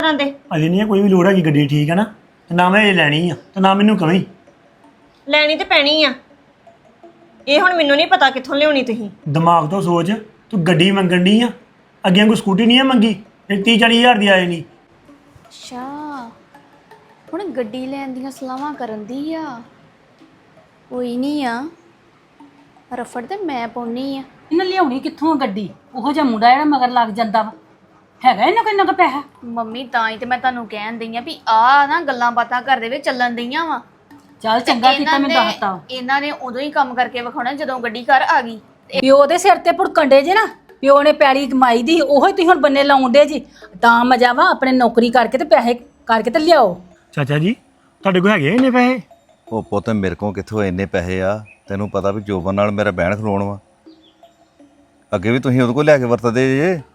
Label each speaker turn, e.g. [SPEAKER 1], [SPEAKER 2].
[SPEAKER 1] ਤਰ੍ਹਾਂ ਦੇ
[SPEAKER 2] ਅਜੇ ਨਹੀਂ ਕੋਈ ਵੀ ਲੋੜ ਹੈਗੀ ਗੱਡੀ ਠੀਕ ਹੈ ਨਾ ਤੇ ਨਾ ਮੈਂ ਇਹ ਲੈਣੀ ਆ ਤੇ ਨਾ ਮੈਨੂੰ ਕਵੀਂ
[SPEAKER 1] ਲੈਣੀ ਤੇ ਪੈਣੀ ਆ। ਇਹ ਹੁਣ ਮੈਨੂੰ ਨਹੀਂ ਪਤਾ ਕਿੱਥੋਂ ਲਿਆਉਣੀ ਤੁਸੀਂ।
[SPEAKER 2] ਦਿਮਾਗ ਤੋਂ ਸੋਚ ਤੂੰ ਗੱਡੀ ਮੰਗਣ ਡਈ ਆ ਅੱਗੇ ਕੋਈ ਸਕੂਟੀ ਨਹੀਂ ਆ ਮੰਗੀ ਤੇ 30-40 ਹਜ਼ਾਰ ਦੀ ਆ ਜਾਣੀ।
[SPEAKER 3] ਅੱਛਾ ਹੁਣ ਗੱਡੀ ਲੈਣ ਦੀਆਂ ਸਲਾਹਾਂ ਕਰਨ ਦੀ ਆ। ਕੋਈ ਨਹੀਂ ਆ ਰਫੜ ਤੇ ਮੈਂ ਪਾਉਣੀ ਆ।
[SPEAKER 4] ਇਹਨਾਂ ਲਿਆਉਣੀ ਕਿੱਥੋਂ ਆ ਗੱਡੀ? ਉਹੋ ਜਿਹਾ ਮੁੰਡਾ ਜਿਹੜਾ ਮਗਰ ਲੱਗ ਜਾਂਦਾ ਵਾ, ਹੈਗਾ ਇਹਨਾਂ ਕੋਈ ਨਾ ਕੋ ਪੈਸਾ?
[SPEAKER 3] ਮੰਮੀ ਤਾਂ ਹੀ ਤੇ ਮੈਂ ਤੁਹਾਨੂੰ ਕਹਿਣ ਦਈ ਆ ਵੀ ਆ ਨਾ ਗੱਲਾਂ ਬਾਤਾਂ ਘਰ ਦੇ ਵਿੱਚ ਚੱਲਣ ਦਈਆਂ ਵਾ।
[SPEAKER 4] ਚੱਲ ਚੰਗਾ ਕੀਤਾ ਮੈਂ ਦੱਸਤਾ।
[SPEAKER 3] ਇਹਨਾਂ ਨੇ ਉਦੋਂ ਹੀ ਕੰਮ ਕਰਕੇ ਵਿਖਾਉਣਾ ਜਦੋਂ ਗੱਡੀ ਘਰ ਆ ਗਈ।
[SPEAKER 4] ਪਿਓ ਦੇ ਸਿਰ ਤੇ ਭੁੜਕੰਡੇ ਜੇ ਨਾ, ਪਿਓ ਨੇ ਪੈਲੀ ਕਮਾਈ ਦੀ ਉਹੋ ਹੀ ਤੁਸੀਂ ਹੁਣ ਬੰਨੇ ਲਾਉਂਦੇ ਜੀ। ਤਾਂ ਮਜ਼ਾ ਵਾ ਆਪਣੇ ਨੌਕਰੀ ਕਰਕੇ ਤੇ ਪੈਸੇ ਕਰਕੇ ਤੇ ਲਿਆਓ।
[SPEAKER 2] ਚਾਚਾ ਜੀ ਤੁਹਾਡੇ ਕੋਲ ਹੈਗੇ ਇੰਨੇ ਪੈਸੇ?
[SPEAKER 5] ਉਹ ਪੁੱਤ ਮੇਰੇ ਕੋਲ ਕਿੱਥੋਂ ਇੰਨੇ ਪੈਸੇ ਆ? ਤੈਨੂੰ ਪਤਾ ਵੀ ਜੋਬਨ ਨਾਲ ਮੇਰਾ ਬਹਿਣ ਖਲੋਣ ਵਾ। ਅੱਗੇ ਵੀ ਤੁਸੀਂ ਉਹਦੇ ਕੋਲ ਲੈ ਕੇ ਵਰਤਦੇ ਜੇ।